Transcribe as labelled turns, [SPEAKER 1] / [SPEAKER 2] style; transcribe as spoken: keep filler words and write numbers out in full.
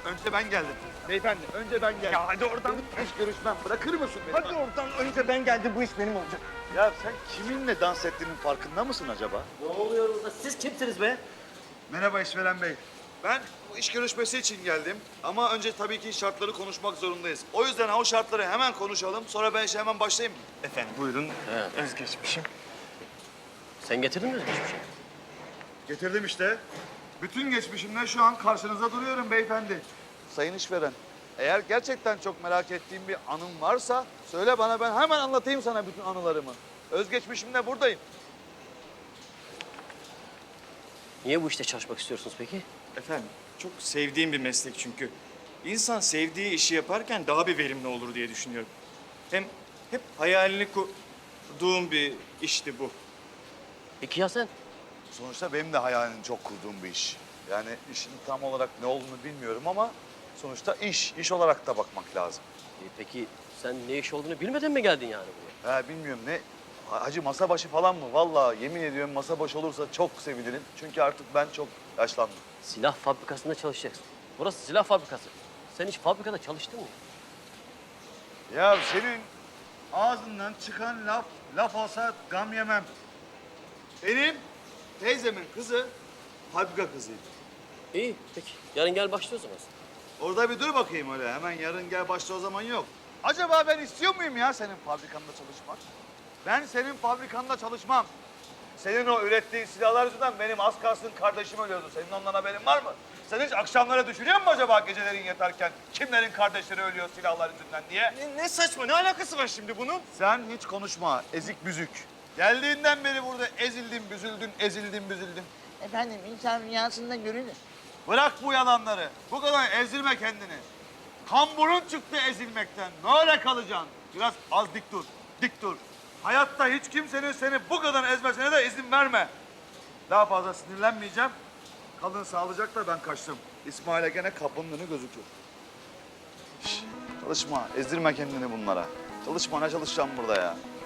[SPEAKER 1] önce ben geldim. Beyefendi, önce ben geldim.
[SPEAKER 2] Ya hadi oradan.
[SPEAKER 1] Benim iş görüşmem, bırakır mısın beni?
[SPEAKER 2] Hadi oradan. Önce ben geldim. Bu iş benim olacak.
[SPEAKER 1] Ya sen kiminle dans ettiğinin farkında mısın acaba?
[SPEAKER 3] Ne oluyor burada? Siz kimsiniz be?
[SPEAKER 1] Merhaba işveren bey. Ben bu iş görüşmesi için geldim ama önce tabii ki şartları konuşmak zorundayız. O yüzden o şartları hemen konuşalım, sonra ben işe hemen başlayayım mı?
[SPEAKER 2] Efendim buyurun.
[SPEAKER 3] He.
[SPEAKER 2] Özgeçmişim.
[SPEAKER 3] Sen getirdin mi özgeçmişi?
[SPEAKER 1] Getirdim işte. Bütün geçmişimle şu an karşınızda duruyorum beyefendi. Sayın işveren, eğer gerçekten çok merak ettiğim bir anım varsa söyle bana, ben hemen anlatayım sana bütün anılarımı. Özgeçmişimle buradayım.
[SPEAKER 3] Niye bu işte çalışmak istiyorsunuz peki?
[SPEAKER 2] Efendim çok sevdiğim bir meslek çünkü. İnsan sevdiği işi yaparken daha bir verimli olur diye düşünüyorum. Hem hep hayalini kurduğum bir işti bu.
[SPEAKER 3] Peki ya sen?
[SPEAKER 1] Sonuçta benim de hayalini çok kurduğum bir iş. Yani işin tam olarak ne olduğunu bilmiyorum ama sonuçta iş, iş olarak da bakmak lazım.
[SPEAKER 3] E, peki sen ne iş olduğunu bilmeden mi geldin yani buraya?
[SPEAKER 1] Ha bilmiyorum ne, hacı masa başı falan mı? Vallahi yemin ediyorum masa başı olursa çok sevinirim. Çünkü artık ben çok yaşlandım.
[SPEAKER 3] Silah fabrikasında çalışacaksın. Burası silah fabrikası. Sen hiç fabrikada çalıştın mı?
[SPEAKER 1] Ya senin ağzından çıkan laf, laf olsa gam yemem. Benim teyzemin kızı fabrika kızıydı.
[SPEAKER 3] İyi peki. Yarın gel başla o zaman.
[SPEAKER 1] Orada bir dur bakayım öyle. Hemen yarın gel başla o zaman yok. Acaba ben istiyor muyum ya senin fabrikanda çalışmak? Ben senin fabrikanda çalışmam. Senin o ürettiğin silahlar yüzünden benim az kalsın kardeşim ölüyordu. Senin ondan haberin var mı? Sen hiç akşamları düşünüyor musun acaba gecelerin yatarken kimlerin kardeşleri ölüyor silahlar yüzünden diye?
[SPEAKER 2] Ne, ne saçma, ne alakası var şimdi bunun?
[SPEAKER 1] Sen hiç konuşma, ezik büzük. Geldiğinden beri burada ezildin, büzüldün, ezildin, büzüldün.
[SPEAKER 4] Efendim insan rüyasında görünür.
[SPEAKER 1] Bırak bu yalanları. Bu kadar ezilme kendini. Kamburun çıktı ezilmekten. Ne öyle kalacaksın? Biraz az dik dur, dik dur. Hayatta hiç kimsenin seni bu kadar ezmesine de izin verme. Daha fazla sinirlenmeyeceğim. Kalın sağlıcakla, ben kaçtım. İsmail'e gene kapının önü gözükür. Şş, çalışma, ezdirme kendini bunlara. Çalışma, ne çalışacağım burada ya?